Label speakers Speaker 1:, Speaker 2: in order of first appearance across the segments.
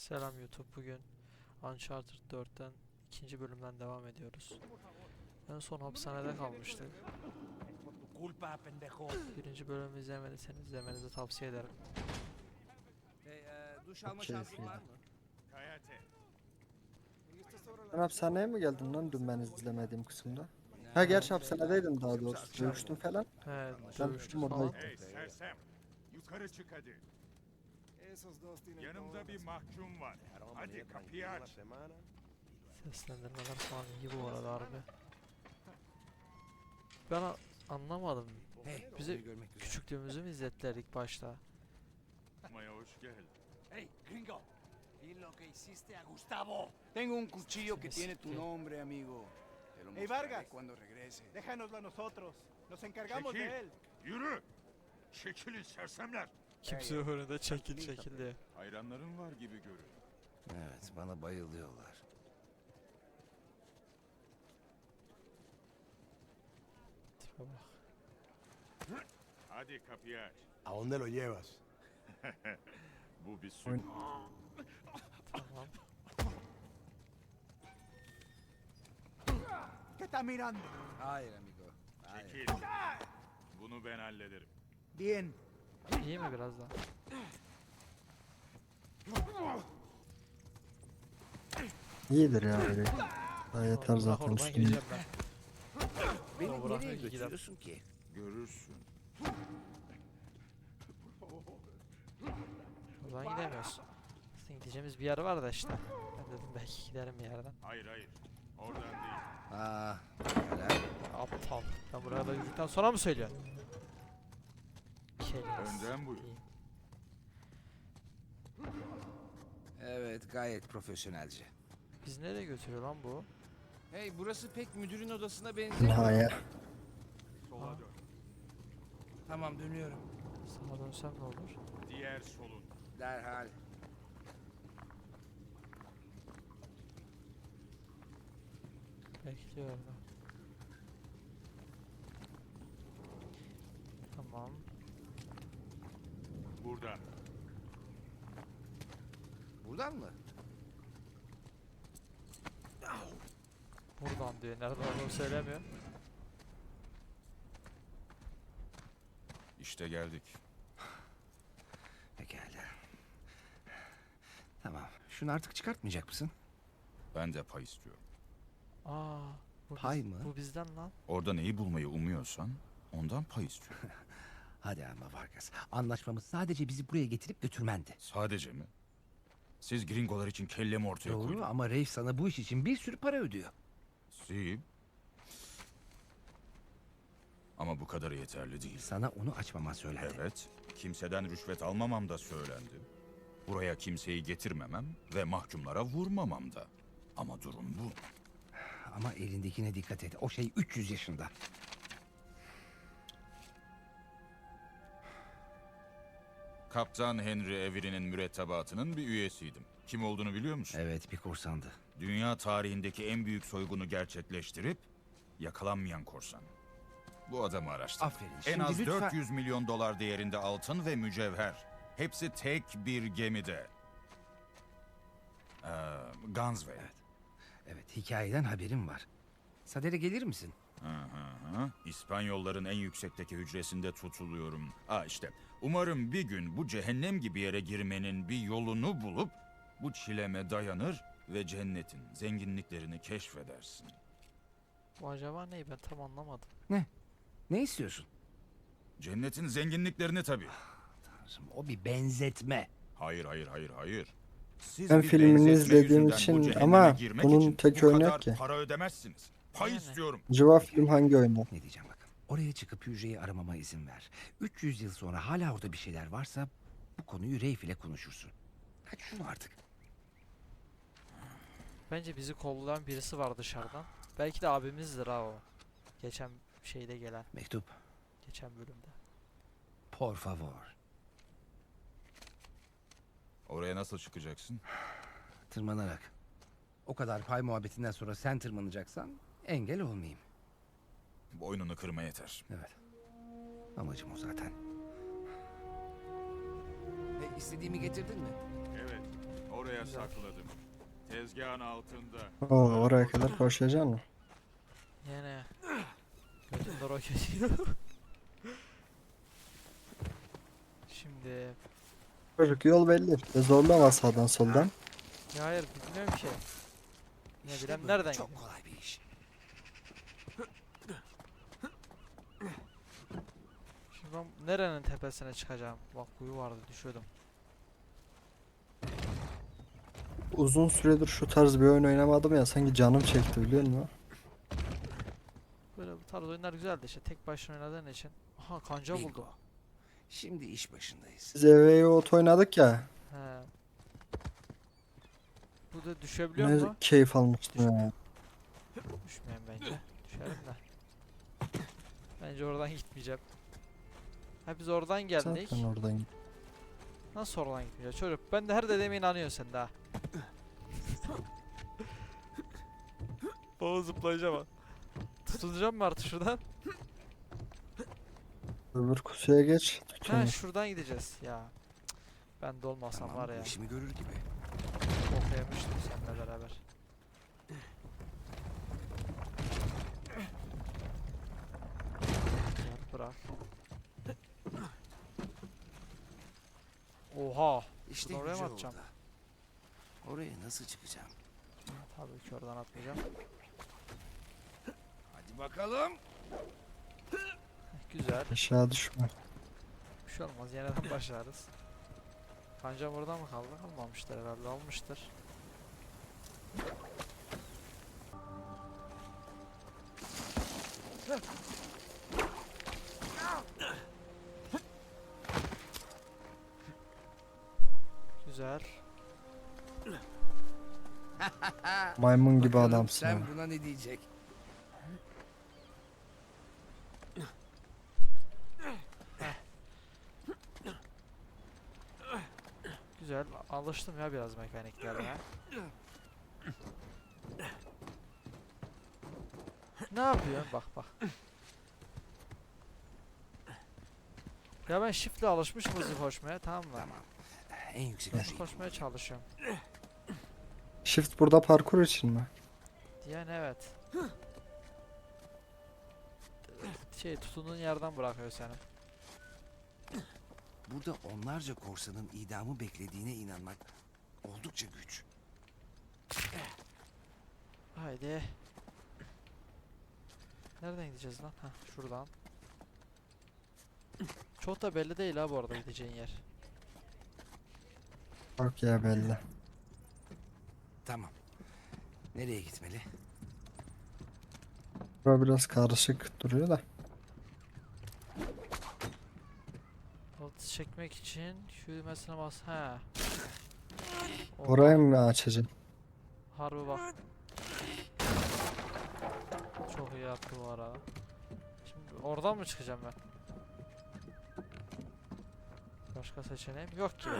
Speaker 1: Selam YouTube. Bugün Uncharted 4'ten ikinci bölümden devam ediyoruz. En son hapishanede kalmıştık. Birinci bölümü izlemediyseniz izlemenizi tavsiye ederim.
Speaker 2: Duş alma şansın var mı?
Speaker 3: Ben hapishaneye mi geldim lan dün ben izlemediğim kısımda? Ha gerçi hapishanedeydim daha doğrusu. Dövüştüm falan.
Speaker 1: Evet,
Speaker 3: Ben
Speaker 1: dövüştük
Speaker 3: tuttum
Speaker 1: falan.
Speaker 3: orayı.
Speaker 4: Hey sersem, yukarı çık hadi. Yanımda bir mahkum var. Hadi kapıyı aç.
Speaker 1: Seslendirmeler falan iyi bu arada harbi. Ben anlamadım. Bize
Speaker 2: görmek güzel.
Speaker 1: küçüklüğümüzü mü izlettiler ilk başta?
Speaker 4: Maya hoş geldin.
Speaker 5: Hey, gringo, di lo que hiciste a Gustavo. Tengo un cuchillo que tiene tu nombre, amigo. Te lo
Speaker 6: Hey,
Speaker 5: mostraré
Speaker 6: Vargas.
Speaker 5: cuando regrese.
Speaker 6: Déjanoslo a nosotros. Nos encargamos
Speaker 4: Çekil.
Speaker 6: de él.
Speaker 4: Yürü. Çekilin sersemler.
Speaker 1: Kimse önünde çekil diye.
Speaker 4: Hayranların var gibi görün.
Speaker 2: Evet, bana bayılıyorlar.
Speaker 1: Tipe bak.
Speaker 4: Hadi kapıyı aç.
Speaker 7: ¿A dónde lo llevas?
Speaker 4: Bu bir sürü.
Speaker 1: Tamam.
Speaker 6: ¿Qué está mirando?
Speaker 2: Hayır amigo. Hayır.
Speaker 4: Çekil. Bunu ben hallederim.
Speaker 6: Bien.
Speaker 1: İyi mi biraz daha?
Speaker 3: İyidir ya öyle. Daha yeter
Speaker 1: Bırak
Speaker 3: zaten
Speaker 1: oradan
Speaker 3: üstüne.
Speaker 1: gideceğim ben.
Speaker 2: Beni
Speaker 1: Bırak
Speaker 2: nereye
Speaker 1: gidelim.
Speaker 2: götürüyorsun ki?
Speaker 4: Görürsün.
Speaker 1: Buradan gidemiyoruz. Aslında gideceğimiz bir yer var da işte. Ben dedim belki giderim bir yerden.
Speaker 4: Hayır hayır. Oradan değil.
Speaker 2: Aa, helal.
Speaker 1: Aptal. Ben buraya da yürüdükten sonra mı söylüyorsun? Kelimesi.
Speaker 4: Önden buyur.
Speaker 1: İyi.
Speaker 2: Evet, gayet profesyonelce.
Speaker 1: Biz nereye götürüyor lan bu?
Speaker 2: Hey, burası pek müdürün odasına benziyor.
Speaker 3: Nihaya.
Speaker 4: Sola dön.
Speaker 2: Tamam, dönüyorum.
Speaker 1: Sağa dönsem ne olur?
Speaker 4: Diğer solun.
Speaker 2: Derhal.
Speaker 1: Bekliyor orada. Tamam.
Speaker 4: Buradan.
Speaker 2: Buradan mı?
Speaker 1: Buradan diyor. Nereden olduğunu söylemiyor.
Speaker 4: İşte geldik.
Speaker 2: Pekala. Tamam. Şunu artık çıkartmayacak mısın?
Speaker 4: Ben de pay istiyorum.
Speaker 1: Aa. Bu
Speaker 2: Pay mı?
Speaker 1: Bu bizden lan.
Speaker 4: Orada neyi bulmayı umuyorsan ondan pay istiyorum.
Speaker 2: Hadi ama Vargas. Anlaşmamız sadece bizi buraya getirip götürmendi.
Speaker 4: Sadece mi? Siz gringolar için kellemi ortaya
Speaker 2: Doğru
Speaker 4: koydunuz.
Speaker 2: ama Reif sana bu iş için bir sürü para ödüyor.
Speaker 4: Si. Ama bu kadarı yeterli değil.
Speaker 2: Sana onu açmaman söylendi.
Speaker 4: Evet, kimseden rüşvet almamam da söylendi. Buraya kimseyi getirmemem ve mahkumlara vurmamam da. Ama durum bu.
Speaker 2: Ama elindekine dikkat et. O şey 300 yaşında.
Speaker 4: Kaptan Henry Avery'nin mürettebatının bir üyesiydim. Kim olduğunu biliyor musun?
Speaker 2: Evet, bir korsandı.
Speaker 4: Dünya tarihindeki en büyük soygunu gerçekleştirip yakalanmayan korsan. Bu adamı araştırdım.
Speaker 2: Aferin.
Speaker 4: En
Speaker 2: Şimdi
Speaker 4: az
Speaker 2: lütfen...
Speaker 4: 400 milyon dolar değerinde altın ve mücevher. Hepsi tek bir gemide. Gunsway.
Speaker 2: Evet, hikayeden haberim var. Sadere gelir misin?
Speaker 4: İspanyolların en yüksekteki hücresinde tutuluyorum. İşte umarım bir gün bu cehennem gibi yere girmenin bir yolunu bulup bu çileme dayanır ve cennetin zenginliklerini keşfedersin.
Speaker 1: Bu acaba ne? Ben tam anlamadım.
Speaker 2: Ne istiyorsun?
Speaker 4: Cennetin zenginliklerini tabii.
Speaker 2: Tanrım, o bir benzetme.
Speaker 4: Hayır. Siz
Speaker 3: Ben
Speaker 4: bir
Speaker 3: filmini
Speaker 4: benzetme
Speaker 3: izlediğim
Speaker 4: yüzünden bu
Speaker 3: için
Speaker 4: cehenneme
Speaker 3: ama
Speaker 4: girmek
Speaker 3: bunun
Speaker 4: için
Speaker 3: tek
Speaker 4: bu
Speaker 3: oyunu
Speaker 4: kadar
Speaker 3: yok ki.
Speaker 4: para ödemezsiniz. Pay
Speaker 1: Yani.
Speaker 4: istiyorum.
Speaker 3: Civa film hangi oyunda?
Speaker 2: Ne diyeceğim bakın. Oraya çıkıp hücreyi aramama izin ver. 300 yıl sonra hala orada bir şeyler varsa bu konuyu Reif ile konuşursun. Hadi şunu artık.
Speaker 1: Bence bizi kollayan birisi var dışarıdan. Belki de abimizdir ha o. Geçen şeyde gelen.
Speaker 2: Mektup.
Speaker 1: Geçen bölümde.
Speaker 2: Por favor.
Speaker 4: Oraya nasıl çıkacaksın?
Speaker 2: Tırmanarak. O kadar pay muhabbetinden sonra sen tırmanacaksan engel olmayayım.
Speaker 4: Boynunu kırma yeter.
Speaker 2: Evet. Amacım o zaten. İstediğimi getirdin mi?
Speaker 4: Evet. Oraya
Speaker 1: Güzel.
Speaker 4: sakladım. Tezgahın altında.
Speaker 3: Oo, oraya kadar koşacaksın mı?
Speaker 1: Yine. Götümde roket yiyor. Şimdi.
Speaker 3: Çocuk yol belli. İşte zorlama sağdan soldan.
Speaker 1: Ya hayır bilmiyorum ki. Ne
Speaker 2: İşte
Speaker 1: bileyim
Speaker 2: böyle
Speaker 1: nereden
Speaker 2: çok
Speaker 1: gidiyor?
Speaker 2: kolay bir iş.
Speaker 1: Şimdi ben nerenin tepesine çıkacağım? Bak kuyu vardı düşüyordum.
Speaker 3: Uzun süredir şu tarz bir oyun oynamadım ya, sanki canım çekti biliyor musun?
Speaker 1: Böyle bu tarz oyunlar güzeldi işte tek başına oynadığın için. Aha kanca buldum.
Speaker 2: Bingo. Şimdi iş başındayız.
Speaker 3: Biz eve ot oynadık ya.
Speaker 1: He. Bu da düşebiliyor
Speaker 3: Ne
Speaker 1: mu?
Speaker 3: keyif almıştım ya.
Speaker 1: Düşmeyin bence. Düşerim de. Bence oradan gitmeyeceğim. Ha biz oradan geldik.
Speaker 3: Zaten oradan git.
Speaker 1: Nasıl oradan gitmeyeceğiz çocuk? Ben de her dediğime inanıyorsun sen daha. Baba zıplayacağım ha. Tutunacağım mı artık şuradan?
Speaker 3: Öbür kutuya geç.
Speaker 1: Ha
Speaker 3: Tutun.
Speaker 1: şuradan gideceğiz ya. Cık, ben de olmasam
Speaker 2: Tamam,
Speaker 1: var ya.
Speaker 2: bu işimi görür gibi.
Speaker 1: Bok yemiştim seninle beraber. Gel, bırak. Oha.
Speaker 2: İşte
Speaker 1: Oraya mı
Speaker 2: Yüce
Speaker 1: atacağım?
Speaker 2: Oda. Oraya nasıl çıkacağım?
Speaker 1: Tabii ki oradan atmayacağım.
Speaker 2: Hadi bakalım.
Speaker 1: Güzel.
Speaker 3: Aşağı düşme.
Speaker 1: Bir şey olmaz. Yeniden başlarız. Kancam orada mı kaldı? Almamıştır herhalde. Almıştır. Güzel.
Speaker 3: Maymun gibi
Speaker 2: Bakalım
Speaker 3: adamsın
Speaker 2: sen
Speaker 3: ha.
Speaker 2: buna ne diyecek?
Speaker 1: Güzel. Alıştım ya biraz mekaniklerine. Ne yapıyorsun? Bak bak. Ya ben shift'le alışmışım hızlı koşmaya, tamam mı?
Speaker 2: Tamam. En yüksek
Speaker 1: Hızlı
Speaker 2: hücreyi
Speaker 1: koşmaya
Speaker 2: buldum.
Speaker 1: çalışıyorum.
Speaker 3: Shift burada parkur için mi?
Speaker 1: Yani evet. Şey tutunduğun yerden bırakıyor seni.
Speaker 2: Burada onlarca korsanın idamı beklediğine inanmak oldukça güç.
Speaker 1: Haydi. Nereden gideceğiz lan? Hah şuradan. Çok da belli değil ha bu arada gideceğin yer.
Speaker 3: Bak ya belli.
Speaker 2: Tamam. Nereye gitmeli?
Speaker 3: Bura biraz karışık duruyor da.
Speaker 1: Altı çekmek için şu düğmesine bas. He.
Speaker 3: Orayı mı açacağım?
Speaker 1: Harbi bak. Çok iyi yaptı bu arada. Şimdi oradan mı çıkacağım ben? Başka seçeneğim yok ki.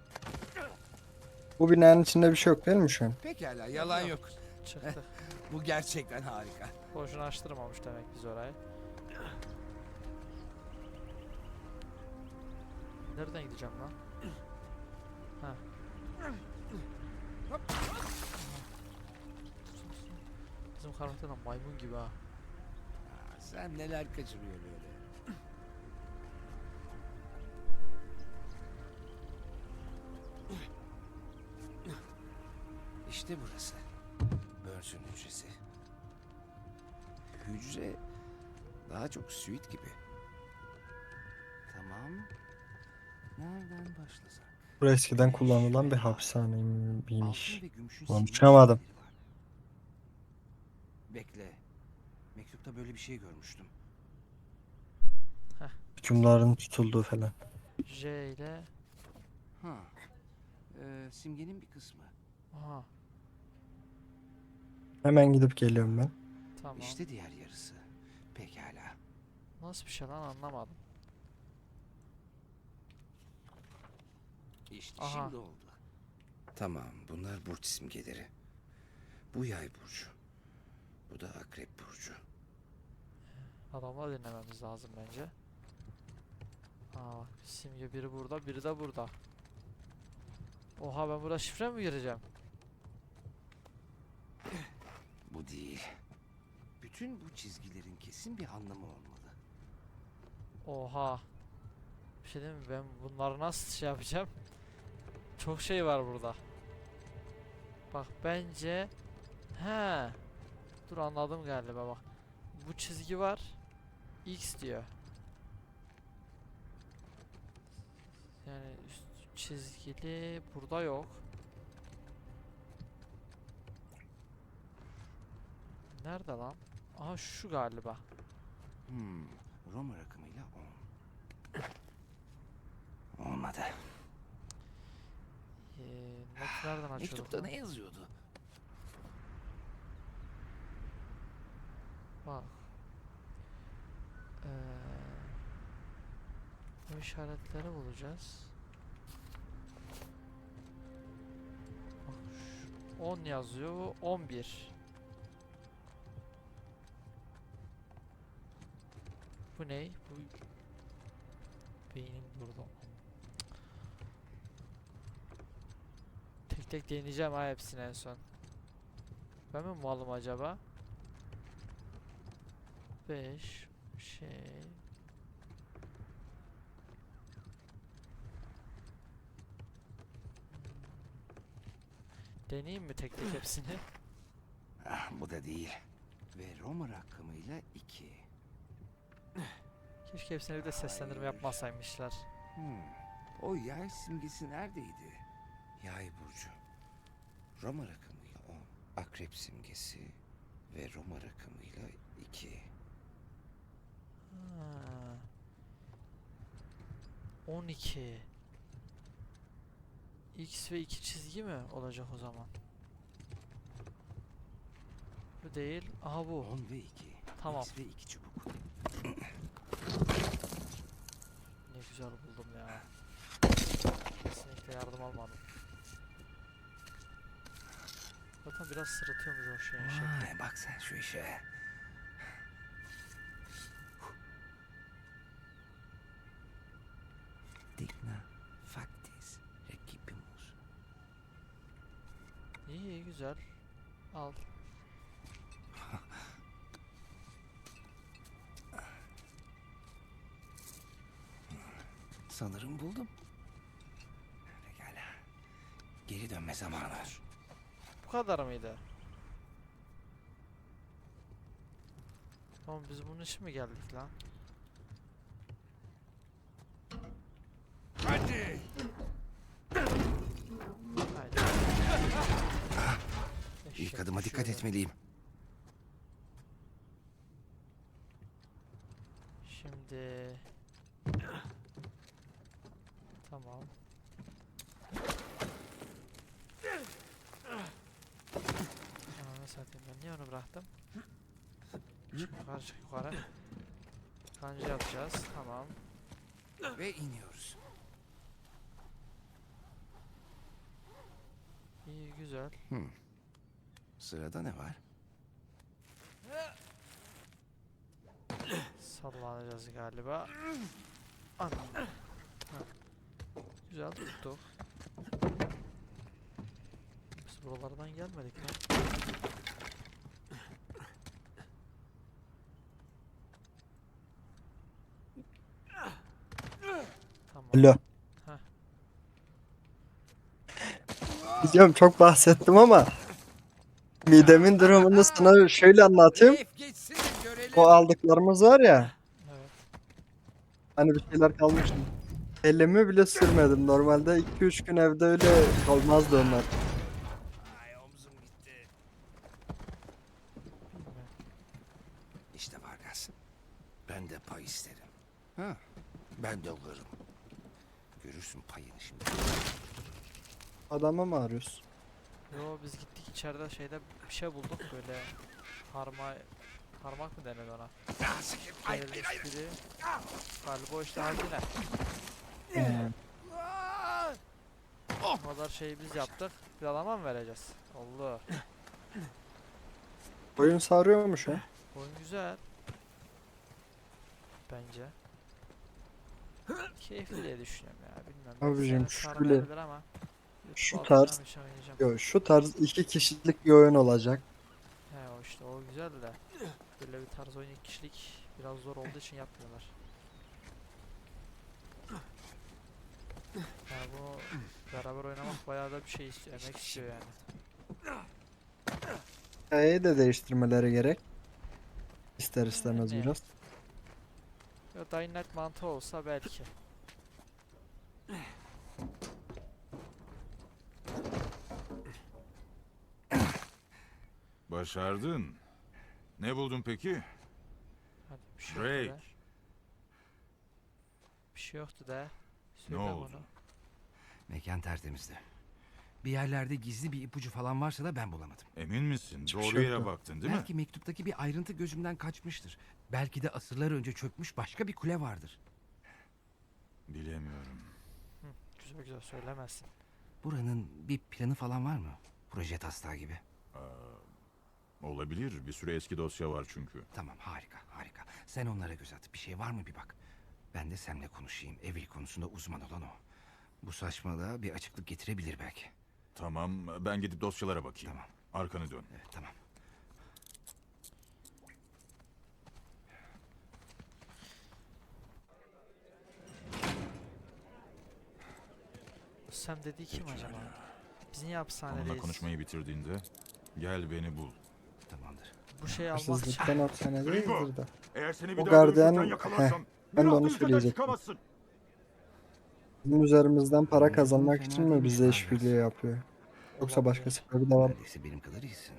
Speaker 3: Bu binanın içinde bir şey yok değil mi şu an?
Speaker 2: Pekala, yalan yok.
Speaker 1: Çıktık.
Speaker 2: Bu gerçekten harika.
Speaker 1: Boşuna açtırmamış demek biz orayı. Nereden gideceğim lan? Ha. Bizim karakter de maymun gibi ha.
Speaker 2: Sen neler kaçırıyor böyle. İşte burası. Burns'ün hücresi. Hücre daha çok suite gibi. Tamam. Nereden başlasak?
Speaker 3: Burası eskiden kullanılan bir hapishaneymiş.
Speaker 2: Altın ve gümüşün
Speaker 3: Konuşamadım.
Speaker 2: simgeleri var. Bekle. Mektupta böyle bir şey görmüştüm.
Speaker 3: Hükümlerin tutulduğu falan.
Speaker 1: J ile
Speaker 2: Ha. Simgenin bir kısmı.
Speaker 1: aha
Speaker 3: Hemen gidip geliyorum ben.
Speaker 1: tamam.
Speaker 2: İşte diğer yarısı. Pekala.
Speaker 1: Nasıl bir şey lan anlamadım.
Speaker 2: İşte
Speaker 1: Aha.
Speaker 2: şimdi oldu. Tamam, bunlar burç simgeleri. Bu yay burcu. Bu da akrep burcu.
Speaker 1: Adamları dinlememiz lazım bence. Aa bak simge biri burada biri de burada. Oha, ben burada şifre mi gireceğim?
Speaker 2: Bu değil. Bütün bu çizgilerin kesin bir anlamı olmalı.
Speaker 1: Oha. Bir şey diyeyim mi? Ben bunları nasıl şey yapacağım? Çok şey var burada. Bak bence... He. Dur, anladım galiba bak. Bu çizgi var. X diyor. Yani üst çizgili burada yok. Nerede lan? Aha, şu galiba.
Speaker 2: Roma rakamıyla 10. Olmadı.
Speaker 1: Not nereden açıyorduk
Speaker 2: Mektupta
Speaker 1: lan?
Speaker 2: ne yazıyordu?
Speaker 1: Bak. Bu işaretleri bulacağız. Bak, 10 yazıyor, bu 11. Bu ne? Bu beynim durdu. Tek tek deneyeceğim ha hepsini en son. Ben mi malım acaba? 5 şey. Deneyeyim mi tek tek hepsini?
Speaker 2: Bu da değil. Ve Roma rakamıyla 2.
Speaker 1: Keşke hepsine bir de seslendirme
Speaker 2: Hayır.
Speaker 1: yapmasaymışlar.
Speaker 2: O yay simgesi neredeydi? Yay burcu. Roma rakamıyla 10. Akrep simgesi ve Roma rakamıyla 2.
Speaker 1: Ha. 12. X ve 2 çizgi mi olacak o zaman? Bu değil. Aha bu.
Speaker 2: 10 ve 2.
Speaker 1: Tamam.
Speaker 2: X ve 2 çubuk.
Speaker 1: Ne güzel buldum ya. Kesinlikle yardım almadım. Zaten biraz sırıtıyormuş o şeyin şekli.
Speaker 2: Vay, bak sen şu işe. Digna factis recipimus.
Speaker 1: İyi, iyi, güzel. Al.
Speaker 2: Sanırım buldum. Pekala. Geri dönme zamanı.
Speaker 1: Bu kadar mıydı? Tamam, biz bunun için mi geldik lan?
Speaker 5: ¡Vete!
Speaker 1: Haydi.
Speaker 2: İlk
Speaker 1: Eşek
Speaker 2: adıma dikkat
Speaker 1: düşüyor.
Speaker 2: etmeliyim.
Speaker 1: Şimdi... Tamam. Ananı satayım, ben niye onu bıraktım? Çık yukarı, çık yukarı. Kanca yapacağız, tamam.
Speaker 2: Ve iniyoruz.
Speaker 1: İyi, güzel.
Speaker 2: Sırada ne var?
Speaker 1: Sallanacağız galiba. Anam. Heh. Güzel tuttuk. Biz buralardan gelmedik lan. Tamam.
Speaker 3: Alo.
Speaker 1: Heh.
Speaker 3: Biliyorum, çok bahsettim ama midemin durumunu sana şöyle anlatayım.
Speaker 2: Geçsin görelim.
Speaker 3: O aldıklarımız var ya,
Speaker 1: Evet.
Speaker 3: hani bir şeyler kalmıştı. Elimi bile sürmedim. Normalde 2-3 gün evde öyle kalmazdı onlar.
Speaker 2: Ay, omzum gitti.
Speaker 1: Bilmiyorum.
Speaker 2: İşte Vargas. Ben de pay isterim. Ha, ben de alırım. Görürsün payını şimdi.
Speaker 3: Adamı mı arıyorsun?
Speaker 1: Yo, biz gittik içeride şeyde bir şey bulduk böyle parmak mı denir ona?
Speaker 2: Ya, sıkı- Hayır, hayır, hayır.
Speaker 1: Biri. Galiba o işte hazine. O kadar şeyi biz yaptık. Bir adama mı vereceğiz? Allah.
Speaker 3: Oyun sarıyormuş ha.
Speaker 1: Oyun güzel. Bence. Keyifli diye düşünüyorum ya. Bilmem.
Speaker 3: Abicim,
Speaker 1: Seni
Speaker 3: şöyle-
Speaker 1: sarmayabilir ama
Speaker 3: Şu
Speaker 1: YouTube'a
Speaker 3: tarz-
Speaker 1: atacağım, işe oynayacağım.
Speaker 3: Yo, şu tarz 2 kişilik bir oyun olacak.
Speaker 1: He o işte o güzel de. Böyle bir tarz oyun 2 kişilik biraz zor olduğu için yapmıyorlar. Yani bu beraber oynamak bayağı da bir şey istiyor, emek istiyor yani.
Speaker 3: Hikayeyi de değiştirmeleri gerek. İster istemez
Speaker 1: Yani.
Speaker 3: biraz.
Speaker 1: Ya Dying Light mantığı olsa belki.
Speaker 4: Başardın. Ne buldun peki?
Speaker 1: Hadi bir şey yoktu
Speaker 4: Drake.
Speaker 1: de. Bir şey yoktu de.
Speaker 4: Ne
Speaker 1: Söyle
Speaker 4: oldu?
Speaker 1: bunu.
Speaker 2: Mekan tertemizdi. Bir yerlerde gizli bir ipucu falan varsa da ben bulamadım.
Speaker 4: Emin misin?
Speaker 3: Hiçbir
Speaker 4: Doğru
Speaker 3: şey
Speaker 4: yere
Speaker 3: yok.
Speaker 4: baktın değil mi?
Speaker 2: Belki mektuptaki bir ayrıntı gözümden kaçmıştır. Belki de asırlar önce çökmüş başka bir kule vardır.
Speaker 4: Bilemiyorum.
Speaker 1: Güzel güzel söylemezsin.
Speaker 2: Buranın bir planı falan var mı? Proje taslağı gibi.
Speaker 4: Olabilir. Bir sürü eski dosya var çünkü.
Speaker 2: Tamam, harika harika. Sen onlara göz at. Bir şey var mı bir bak. Ben de seninle konuşayım. Evil konusunda uzman olan o. Bu saçmalığa bir açıklık getirebilir belki.
Speaker 4: Tamam, ben gidip dosyalara bakayım.
Speaker 2: Tamam.
Speaker 4: Arkanı dön.
Speaker 2: Evet, tamam.
Speaker 1: Sam dediği kim
Speaker 4: Pekala.
Speaker 1: acaba? Biz niye
Speaker 4: Onunla
Speaker 1: hapishanedeyiz?
Speaker 4: konuşmayı bitirdiğinde gel beni bul.
Speaker 2: Tamamdır.
Speaker 1: Bu şeyi almak için.
Speaker 3: Hırsızlıktan hapishanedeyizdir de.
Speaker 4: Eğer seni
Speaker 3: O gardiyan, ben de onu söyleyecektim. Bizim üzerimizden para
Speaker 2: Oyuncu
Speaker 3: kazanmak
Speaker 2: fena
Speaker 3: için mi
Speaker 2: değilmiş
Speaker 3: bize
Speaker 2: Vargas.
Speaker 3: işbirliği yapıyor? Yoksa başka sebebi de var mı?
Speaker 2: Neredeyse benim kadar iyisin.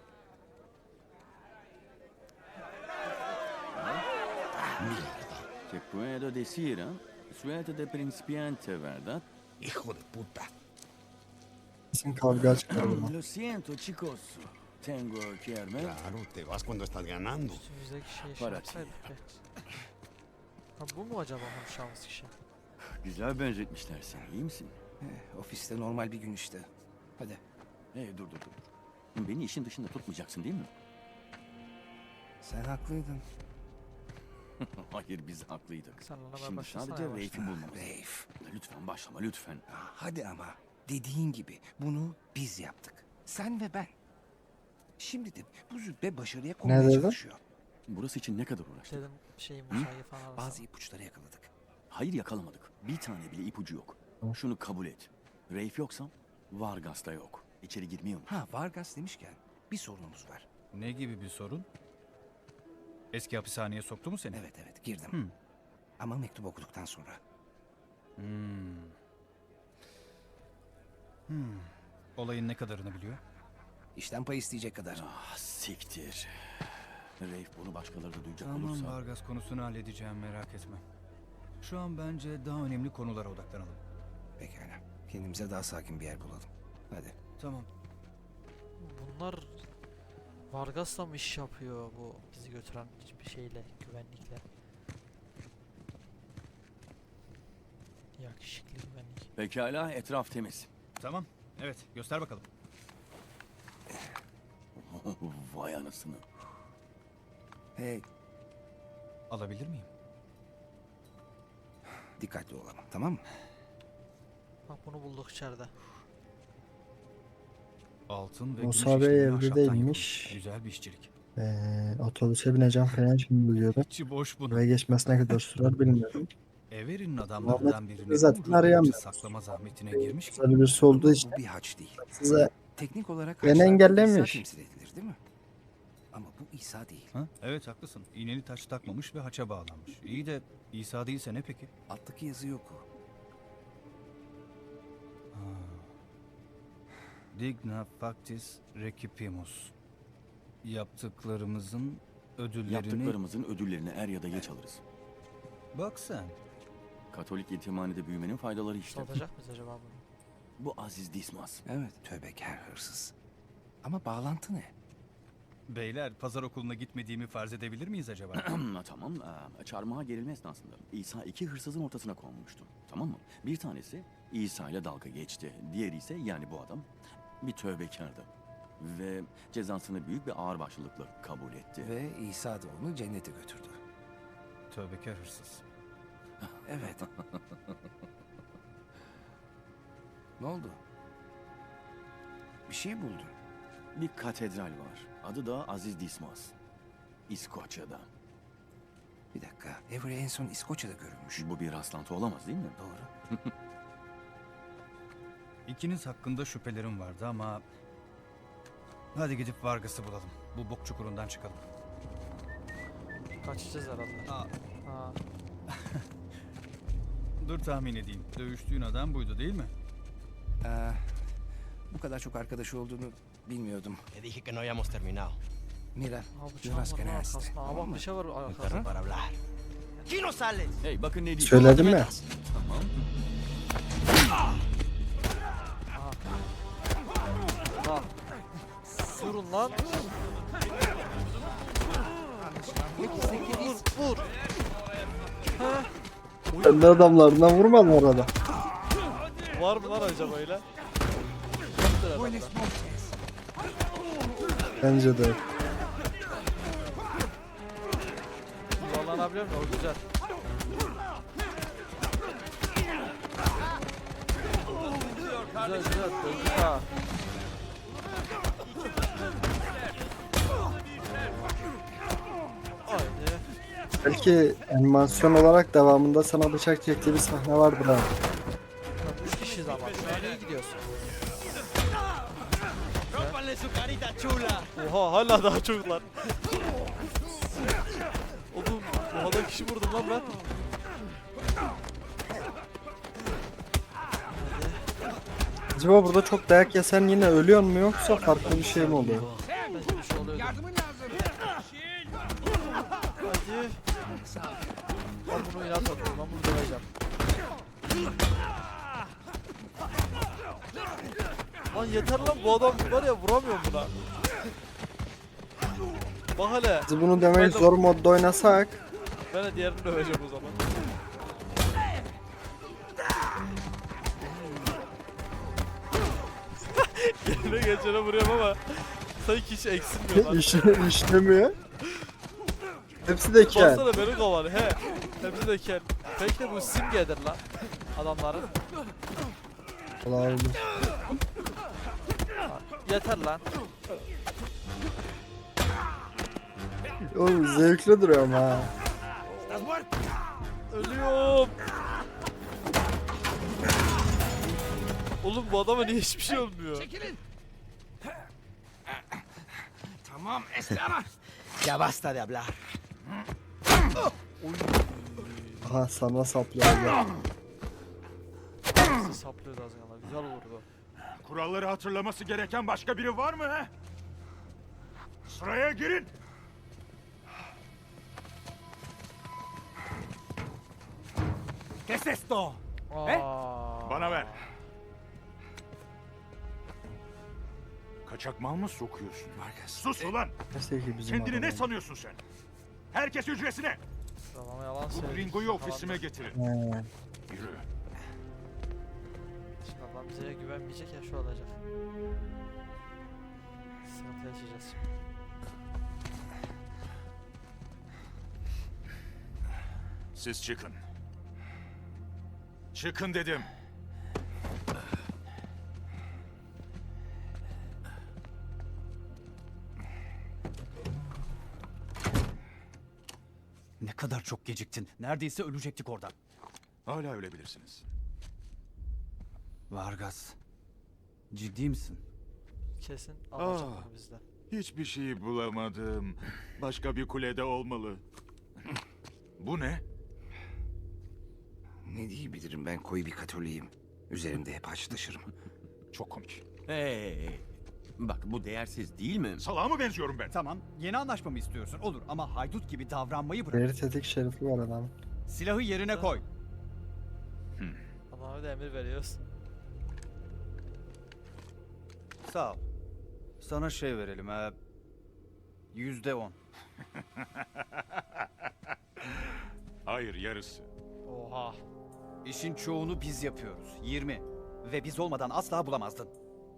Speaker 7: Te puedo decir, ¿eh? Suerte de principiante, ¿verdad?
Speaker 2: Hijo de puta.
Speaker 3: Kesin kavga çıkar buna.
Speaker 7: Lo siento, chicos. Tengo que irme.
Speaker 8: Claro, te vas cuando estás ganando.
Speaker 1: Üstümüzdeki şeyi şey
Speaker 7: Para
Speaker 1: yapsaydık be. Ha bu mu acaba konuşacağımız kişi?
Speaker 7: Güzel benzetmişler seni, iyi misin?
Speaker 2: Ofiste normal bir gün işte. Hadi.
Speaker 7: Hey dur. Beni işin dışında tutmayacaksın değil mi?
Speaker 2: Sen haklıydın.
Speaker 7: Hayır, biz haklıydık.
Speaker 1: Sen ona
Speaker 7: Şimdi
Speaker 1: başlasana
Speaker 7: sadece
Speaker 1: yavaştan.
Speaker 7: Reif'i bulmamız.
Speaker 2: Reif.
Speaker 7: Lütfen başlama, lütfen.
Speaker 2: Hadi ama. Dediğin gibi bunu biz yaptık. Sen ve ben. Şimdi de bu züppe başarıya konmaya
Speaker 3: dedin?
Speaker 2: çalışıyor.
Speaker 7: Burası için ne kadar uğraştık?
Speaker 1: Dedim şeyi Musa'yı falan arasana.
Speaker 2: Bazı ipuçları yakaladık.
Speaker 7: Hayır, yakalamadık. Bir tane bile ipucu yok. Şunu kabul et. Reif yoksa Vargas da yok. İçeri girmiyor mu?
Speaker 2: Ha, Vargas demişken bir sorunumuz var.
Speaker 9: Ne gibi bir sorun? Eski hapishaneye soktu mu seni?
Speaker 2: Evet girdim. Ama mektup okuduktan sonra.
Speaker 9: Olayın ne kadarını biliyor?
Speaker 2: İşten pay isteyecek kadar.
Speaker 7: Ah, siktir. Reif bunu başkaları da duyacak
Speaker 9: Tamam,
Speaker 7: olursa...
Speaker 9: Vargas konusunu halledeceğim, merak etme. Şu an bence daha önemli konulara odaklanalım.
Speaker 2: Pekala. Kendimize daha sakin bir yer bulalım. Hadi.
Speaker 9: Tamam.
Speaker 1: Bunlar Vargas'la mı iş yapıyor bu bizi götüren bir şeyle, güvenlikle? Yakışıklı güvenlik.
Speaker 7: Pekala, etraf temiz.
Speaker 9: Tamam. Evet, göster bakalım.
Speaker 7: Vay anasını.
Speaker 2: Hey,
Speaker 9: Alabilir miyim?
Speaker 2: dikkatli ol ama, tamam mı?
Speaker 1: Bak bunu bulduk içeride.
Speaker 9: Altın ve
Speaker 3: Musa
Speaker 9: gümüş
Speaker 3: Bey
Speaker 9: işlemeli
Speaker 3: evde
Speaker 9: ahşaptan
Speaker 3: değilmiş.
Speaker 9: yapılmış. Güzel bir işçilik.
Speaker 3: Otobüse bineceğim falan şimdi biliyordum.
Speaker 9: İçi boş bunun.
Speaker 3: Eve geçmesine kadar sürer bilmiyorum.
Speaker 9: Everin adamlarından birini bu
Speaker 3: zaten
Speaker 9: ruh
Speaker 3: arayamıyoruz.
Speaker 9: saklama zahmetine girmiş ki.
Speaker 3: Güzel birisi olduğu için
Speaker 2: Bu bir haç değil.
Speaker 3: size
Speaker 2: Teknik olarak
Speaker 3: Beni
Speaker 2: haçlarda
Speaker 3: engellemiş.
Speaker 2: İsa temsil edilir değil mi? Ama bu İsa değil.
Speaker 9: Ha? Evet, haklısın. İğneli taç takmamış ve haça bağlanmış. İyi de İsa değilse ne peki?
Speaker 2: Alttaki yazı yok o.
Speaker 9: Digna factis recipimus. Yaptıklarımızın ödüllerini...
Speaker 7: Yaptıklarımızın ödüllerini er ya da geç alırız.
Speaker 9: Bak sen.
Speaker 7: Katolik yetimhanede büyümenin faydaları işte.
Speaker 1: Satacak mıyız acaba bunu?
Speaker 7: Bu Aziz Dismas.
Speaker 2: Evet, tövbekar hırsız. Ama bağlantı ne?
Speaker 9: Beyler, pazar okuluna gitmediğimi farz edebilir miyiz acaba?
Speaker 7: Tamam, çarmıha gerilme esnasında İsa iki hırsızın ortasına konmuştu. Tamam mı? Bir tanesi İsa ile dalga geçti. Diğeri ise, yani bu adam, bir tövbekardı. Ve cezasını büyük bir ağırbaşlılıkla kabul etti.
Speaker 2: Ve İsa da onu cennete götürdü.
Speaker 9: Tövbekar hırsız.
Speaker 2: Evet. Ne oldu? Bir şey buldun.
Speaker 7: Bir katedral var. Adı da Aziz Dismas. İskoçya'da.
Speaker 2: Bir dakika. Avery en son İskoçya'da görülmüş.
Speaker 7: Bu bir rastlantı olamaz değil mi?
Speaker 2: Doğru.
Speaker 9: İkiniz hakkında şüphelerim vardı ama... Hadi gidip Vargas'ı bulalım. Bu bok çukurundan çıkalım.
Speaker 1: Kaçacağız herhalde.
Speaker 9: Aa,
Speaker 1: Ha.
Speaker 9: dur tahmin edeyim. Dövüştüğün adam buydu değil mi?
Speaker 2: Bu kadar çok arkadaşı olduğunu bilmiyordum.
Speaker 5: Te dije que no habíamos terminado.
Speaker 2: Mira,
Speaker 1: Ha
Speaker 2: yo
Speaker 1: bıçağım
Speaker 2: las
Speaker 1: var lan
Speaker 2: ganaste.
Speaker 1: arkasında. Aa bak bir şey var arkasında.
Speaker 5: Perro para hablar. ¡Aquí no sales!
Speaker 7: Hey bakın ne diyeyim.
Speaker 3: Söyledim ya.
Speaker 7: Tamam.
Speaker 1: Lan. Vurun lan. Vur vur. Ha.
Speaker 3: Kendi adamlarından vurmadın orada.
Speaker 1: Var mı lan acaba öyle? Yoktur herhalde.
Speaker 3: Bence de.
Speaker 1: Zorlanabiliyor muyum? O güzel. Güzel güzel. Döndük ha. Haydi.
Speaker 3: Belki animasyon olarak devamında sana bıçak çektiği bir sahne vardır ha.
Speaker 1: Lan 3 kişiyiz ama. Şu an iyi gidiyorsun.
Speaker 5: ¡Rómpanle su carita chula!
Speaker 1: Oha hala daha çok lan. Oğlum oha da kişi vurdum lan ben.
Speaker 3: Acaba burada çok dayak yesen yine ölüyor mu yoksa farklı bir şey mi oluyor?
Speaker 1: Bence bir şey oluyordu. Hadi. Ben bunu inat atıyorum. Ben bunu döveceğim. Lan yeter lan bu adam var ya vuramıyorum buna. Bak hele.
Speaker 3: Biz bunu demek zor modda oynasak
Speaker 1: Ben de diğerini döveceğim o zaman. Yerine geçene vuruyorum ama sanki hiç eksilmiyor lan.
Speaker 3: işlemiyor. Hepsi de kel.
Speaker 1: Baksana beni kovar he. Hepsi de kel. Belki de bu simgedir lan adamların.
Speaker 3: Olabilir.
Speaker 1: Yeter lan.
Speaker 3: Oğlum zevkli duruyor ama ha.
Speaker 1: Ölüyorum. Oğlum bu adama niye hiçbir şey olmuyor?
Speaker 2: Tamam, Estela.
Speaker 5: Ya basta de hablar.
Speaker 3: Aha sana saplıyor. ya.
Speaker 1: Saplıyordu az yana. Güzel vurdu.
Speaker 4: Kuralları hatırlaması gereken başka biri var mı he? Sıraya girin.
Speaker 6: ¿Qué es esto?
Speaker 1: Aa.
Speaker 4: Bana ver. Kaçak mal mı sokuyorsun? Sus ulan!
Speaker 3: Neyse ki bizim
Speaker 4: Kendini ne
Speaker 3: adam.
Speaker 4: sanıyorsun sen? Herkes hücresine!
Speaker 1: Sıralama yalan
Speaker 4: Bu
Speaker 1: söyledi.
Speaker 4: gringoyu ofisime getirin.
Speaker 3: He.
Speaker 4: Yürü.
Speaker 1: Şimdi adam bize güvenmeyecek ya şu olacak. Sıkıntı yaşayacağız şimdi.
Speaker 4: Siz çıkın. Çıkın dedim.
Speaker 9: Ne kadar çok geciktin. Neredeyse ölecektik oradan.
Speaker 4: Hala ölebilirsiniz.
Speaker 9: Vargas. Ciddi misin?
Speaker 1: Kesin alacak
Speaker 4: Aa.
Speaker 1: bunu bizden.
Speaker 4: Hiçbir şey bulamadım. Başka bir kulede olmalı. Bu ne?
Speaker 2: Ne diyebilirim, ben koyu bir Katoliyim. Üzerimde hep haç taşırım.
Speaker 4: Çok komik.
Speaker 7: Hey. Bak bu değersiz değil mi?
Speaker 4: Salağa mı benziyorum ben?
Speaker 9: Tamam, yeni anlaşma mı istiyorsun? Olur ama haydut gibi davranmayı bırak.
Speaker 3: Deri tetik şerifi var adam.
Speaker 9: Silahı yerine koy.
Speaker 1: Adama bir de emir veriyoruz.
Speaker 9: Sağ ol. Sana şey verelim ha. %10.
Speaker 4: Hayır, yarısı.
Speaker 1: Oha.
Speaker 9: İşin çoğunu biz yapıyoruz. 20. Ve biz olmadan asla bulamazdın.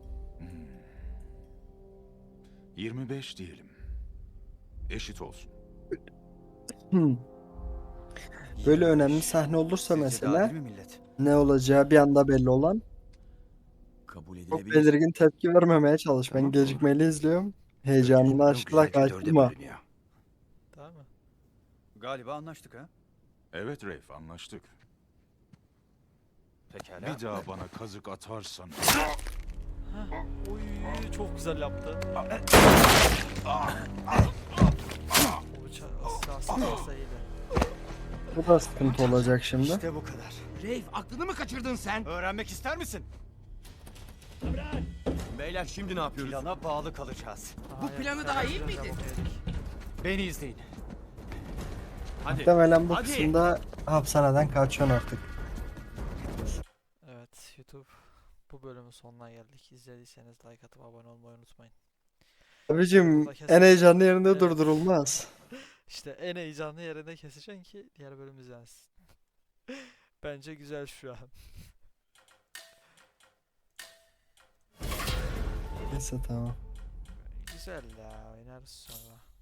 Speaker 4: 25 diyelim. Eşit olsun.
Speaker 3: Böyle önemli sahne olursa
Speaker 9: Sizce de
Speaker 3: mesela
Speaker 9: adil mi millet?
Speaker 3: ne olacağı bir anda belli olan
Speaker 7: kabul
Speaker 3: Çok
Speaker 7: edilebilir.
Speaker 3: belirgin tepki vermemeye çalış. Ben gecikmeli izliyorum. Heyecanını
Speaker 2: Konu
Speaker 3: aşkla
Speaker 2: güzelce dörde
Speaker 3: kaçtırma.
Speaker 2: bölünüyor.
Speaker 1: Değil mi?
Speaker 9: Galiba anlaştık ha?
Speaker 4: Evet Reif, anlaştık.
Speaker 9: Pekala.
Speaker 4: Bir daha bana kazık atarsan...
Speaker 1: Oy çok güzel yaptı. O bıçak asla iyiydi.
Speaker 3: Bu da sıkıntı olacak şimdi.
Speaker 6: İşte bu kadar.
Speaker 8: Reif aklını mı kaçırdın sen?
Speaker 6: Öğrenmek ister misin?
Speaker 7: Beyler şimdi ne yapıyoruz?
Speaker 6: Plana bağlı kalacağız.
Speaker 1: Bu
Speaker 8: planı daha iyi miydi?
Speaker 6: Beni izleyin.
Speaker 7: Hadi.
Speaker 3: Muhtemelen bu
Speaker 7: Hadi.
Speaker 3: kısımda hapishaneden kaçıyorsun artık.
Speaker 1: Evet YouTube, bu bölümün sonuna geldik. İzlediyseniz like atıp abone olmayı unutmayın.
Speaker 3: Abicim
Speaker 1: Burada kesin-
Speaker 3: en heyecanlı yerinde
Speaker 1: Evet.
Speaker 3: durdurulmaz.
Speaker 1: İşte en heyecanlı yerine keseceksin ki diğer bölüm izlensin. Bence güzel şu an.
Speaker 3: Neyse tamam.
Speaker 1: Güzel ya, oynarız sonra.